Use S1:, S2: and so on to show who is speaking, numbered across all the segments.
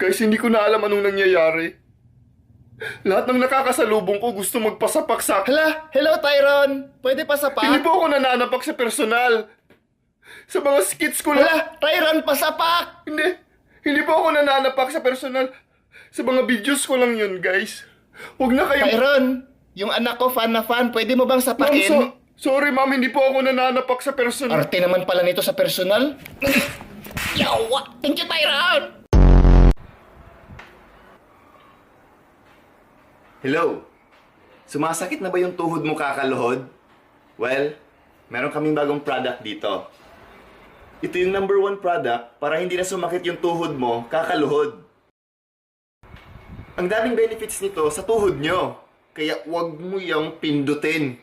S1: Guys, hindi ko na alam anong nangyayari. Lahat ng nakakasalubong ko gusto magpasapak sa...
S2: Hala, hello Tyron. Pwede pa sa
S1: Hindi
S2: pak?
S1: po ako nananapak sa personal. Sa mga skits ko lang...
S2: Hala, Tyron, pasapak!
S1: Hindi po ako nananapak sa personal. Sa mga videos ko lang yun, guys. Huwag na kayo...
S2: Tyron, yung anak ko fan na fan, pwede mo bang
S1: Ma'am,
S2: sapakin?
S1: sorry ma'am, hindi po ako nananapak sa personal.
S2: Arte naman pala nito sa personal. Yawa! Thank you, Tyron!
S3: Hello? Sumasakit na ba yung tuhod mo kakaluhod? Well, meron kaming bagong product dito. Ito yung #1 product para hindi na sumakit yung tuhod mo kakaluhod. Ang daming benefits nito sa tuhod nyo. Kaya wag mo yung pindutin.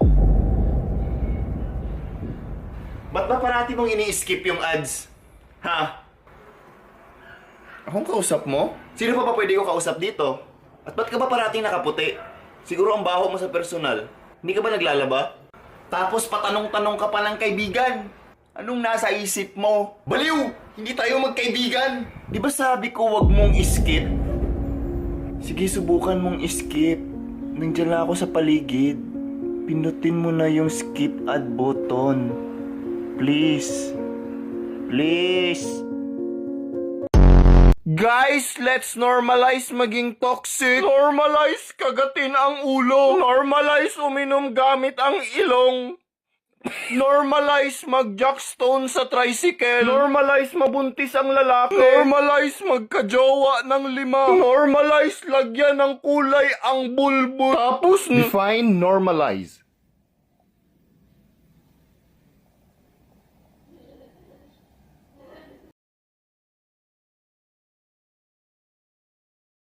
S3: Ba't ba parati mong ini-skip yung ads? Ha?
S1: Akong kausap mo?
S3: Sino pa ba pwede ko kausap dito? At ba't ka ba parating nakaputi? Siguro ang baho mo sa personal. Hindi ka ba naglalaba? Tapos patanong-tanong ka pa ng kaibigan. Anong nasa isip mo? Baliw! Hindi tayo magkaibigan! Di ba sabi ko wag mong skip? Sige, subukan mong skip. Nandiyan lang ako sa paligid. Pindutin mo na yung skip ad button. Please. Please.
S1: Guys, let's normalize maging toxic. Normalize kagatin ang ulo. Normalize uminom gamit ang ilong. Normalize mag-jackstone sa tricycle. Normalize mabuntis ang lalaki. Normalize magkajowa ng 5. Normalize lagyan ng kulay ang bulbul. Tapos,
S2: Define normalize.